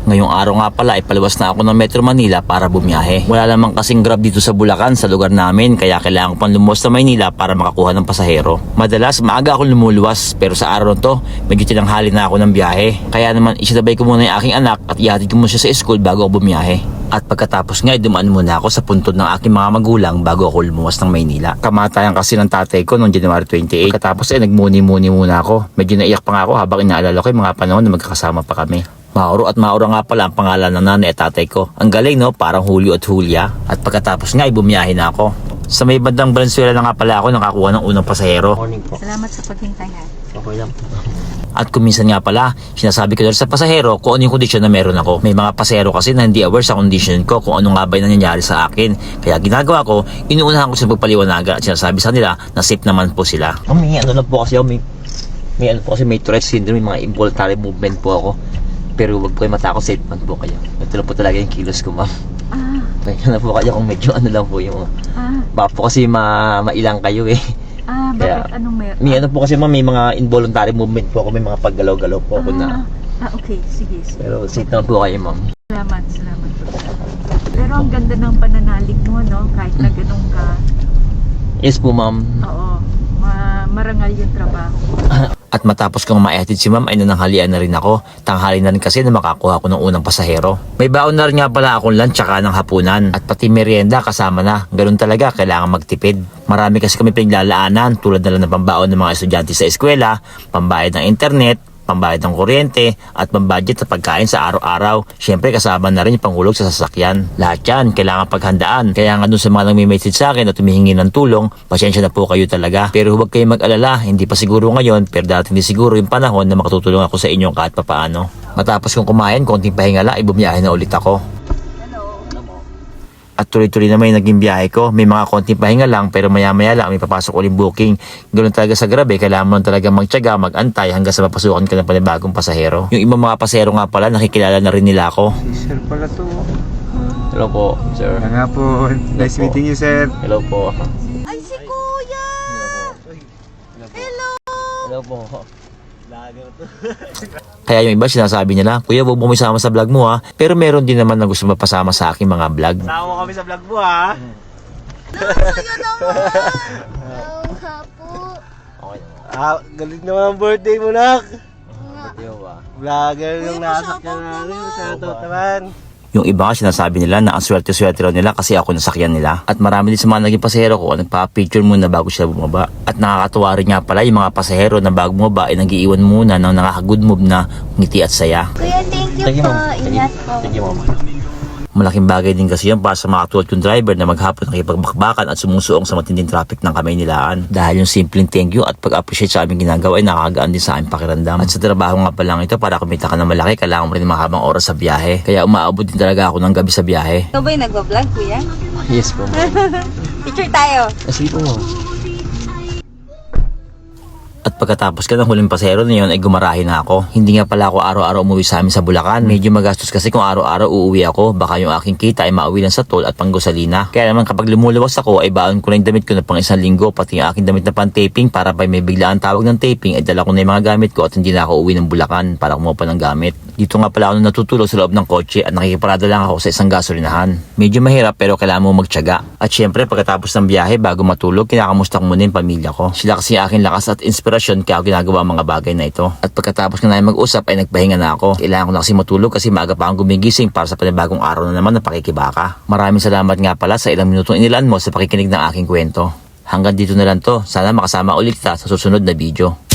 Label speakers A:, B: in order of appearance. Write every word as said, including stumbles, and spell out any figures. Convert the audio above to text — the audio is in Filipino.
A: Ngayong araw nga pala ay paliwas na ako ng Metro Manila para bumiyahe. Wala namang kasing Grab dito sa Bulacan sa lugar namin kaya kailangan ko pang lumuwas sa Maynila para makakuha ng pasahero. Madalas maaga ako lumuluwas pero sa araw to medyo tinanghali na ako ng biyahe. Kaya naman isinabay ko muna yung aking anak at ihatid ko muna siya sa school bago ako bumiyahe. At pagkatapos nga, dumaan muna ako sa puntod ng aking mga magulang bago ako lumuwas ng Maynila. Kamatayan kasi ng tatay ko noong January twenty-eight. Pagkatapos ay nagmuni-muni muna ako. Medyo naiyak pa nga ako habang inaalala ko yung mga panahon na magkakasama pa kami. Mauro at Maura nga pala ang pangalan ng nanay at tatay ko. Ang galing no, parang Julio at Julia. At pagkatapos nga, ay bumiyahe na ako. Sa may bandang Valenzuela na nga pala ako nakakuha ng unang pasahero.
B: Morning po.
C: Salamat sa paghintay ha.
B: Okay lang.
A: At kuminsan nga pala, sinasabi ko dahil sa pasahero kung ano yung kondisyon na meron ako. May mga pasahero kasi na hindi aware sa kondisyon ko kung ano nga ba yung nangyayari sa akin. Kaya ginagawa ko, inuunahan ko sa pagpaliwanaga at sinasabi sa nila na safe naman po sila. Oh, may ano lang po kasi ako, may, may ano po kasi may Tourette syndrome, may mga involuntary movement po ako. Pero wag po kayo matakot, safe man po kayo. Ito lang po talaga yung kilos ko, ma'am.
C: Ah,
A: Kaya na po kayo kung medyo ano lang po yung...
C: ah,
A: Baka po kasi ma mailang kayo eh.
C: ah, bakit?
A: Kaya,
C: Anong meron?
A: May ano po kasi ma'am, may mga involuntary movement po ako, may mga paggalaw-galaw po ako na...
C: Ah, okay. Sige, sige.
A: Pero safe naman po kayo, ma'am.
C: Salamat, salamat. Pero ang ganda ng pananalig mo, no? Kahit na ganun ka.
A: Yes po, ma'am.
C: Oo. Ma marangal yung trabaho.
A: At matapos kong maihatid si ma'am ay nananghalian na rin ako. Tanghali na rin kasi na makakuha ko ng unang pasahero. May baon na rin nga pala akong lunch tsaka ng hapunan. At pati merienda kasama na. Ganun talaga, kailangan magtipid. Marami kasi kami pinaglalaanan tulad na lang ng pambaon ng mga estudyante sa eskwela, pambayad ng internet, pambayad ng kuryente, at pambudget sa pagkain sa araw-araw. Siyempre kasama na rin yung panghulog sa sasakyan. Lahat yan, kailangan paghandaan. Kaya nga dun sa mga nagme-message sa akin at tumihingi ng tulong, pasensya na po kayo talaga. Pero huwag kayong mag-alala, hindi pa siguro ngayon, pero dati hindi siguro yung panahon na makatutulong ako sa inyo kahit papaano. Matapos kong kumain, konting pahinga lang, ay bumiyahe na ulit ako. At tuloy-tuloy naman yung naging biyahe ko. May mga konting pahinga lang pero maya-maya lang may papasok ulit booking. Ganoon talaga sa Grab eh. Kailangan mo talaga magtiyaga, mag-antay hanggang sa mapasukan ka ng panibagong pasahero. Yung ibang mga pasahero nga pala, nakikilala na rin nila ako.
B: Sir pala to.
A: Hello po, sir.
B: Kaya nga po. Nice meeting you, sir.
A: Hello po.
C: Ay, si Kuya! Hello!
A: Hello po. Kaya yung iba sinasabi nila, Kuya, huwag mo isama sa vlog mo ha. Pero meron din naman na gusto mapasama sa aking mga vlog.
B: Sama mo kami sa vlog mo, ha?
C: Kuya naman! Oo nga po.
A: Okay.
B: Ah, galit naman ang birthday mo, nak.
A: Video ba?
B: Vlogger
C: Uy,
B: yung nasa
C: pa-shoutout
B: ka namin.
C: naman.
B: Shoutout naman.
A: Yung iba nga sinasabi nila na ang swerte-swerte raw nila kasi ako nasakyan nila. At marami din sa mga naging pasahero ko nagpa-picture muna bago sila bumaba. At nakakatuwa rin nga pala yung mga pasahero na bago bumaba ay nag-iiwan muna ng nakaka-good move na ngiti at saya.
C: Kuya, thank you
A: Thank you,
C: po.
A: ma'am. Thank you.
C: Ingat po.
A: Thank you, ma'am. Malaking bagay din kasi yan para sa mga katulad kong driver na maghapon nakipagbakbakan at sumusuong sa matinding traffic ng kamay nilaan. Dahil yung simpleng thank you at pag-appreciate sa aming ginagawa ay nakakagaan din sa aming pakiramdam. At sa trabaho nga pa lang ito, para kumita ka ng malaki, kailangan mo rin mahabang oras sa biyahe. Kaya umaabot din talaga ako ng gabi sa biyahe.
C: Ikaw ba yung nagbablog, Kuya?
A: Yes po, ma'am.
C: Picture tayo.
A: Sige po, ma'am. At pagkatapos ka ng huling pasahero na yun ay gumarahin na ako. Hindi nga pala ako araw-araw umuwi sa amin sa Bulacan. Medyo magastos kasi kung araw-araw uuwi ako. Baka yung aking kita ay mauwi lang sa toll at panggosalina. Kaya naman kapag lumuluwas ako ay baon ko na yung damit ko na pang isang linggo. Pati yung aking damit na pang taping para pa may biglaan tawag ng taping ay dala ko na yung mga gamit ko at hindi na ako uwi ng Bulacan para kumuha pa ng gamit. Dito nga pala ako natutulog sa loob ng kotse at nakikiparada lang ako sa isang gasolinahan. Medyo mahirap pero kailangan mo magtiyaga. At syempre pagkatapos ng biyahe bago matulog kinakamusta ko muna yung pamilya ko. Sila kasi aking lakas at inspirasyon kaya ako ginagawa ang mga bagay na ito. At pagkatapos na namin mag-usap ay nagpahinga na ako. Kailangan ko na kasi matulog kasi maaga pa akong gumigising para sa panibagong araw na naman na pakikibaka. Maraming salamat nga pala sa ilang minutong inilaan mo sa pakikinig ng aking kwento. Hanggang dito na lang to. Sana makasama ulit kita sa susunod na video.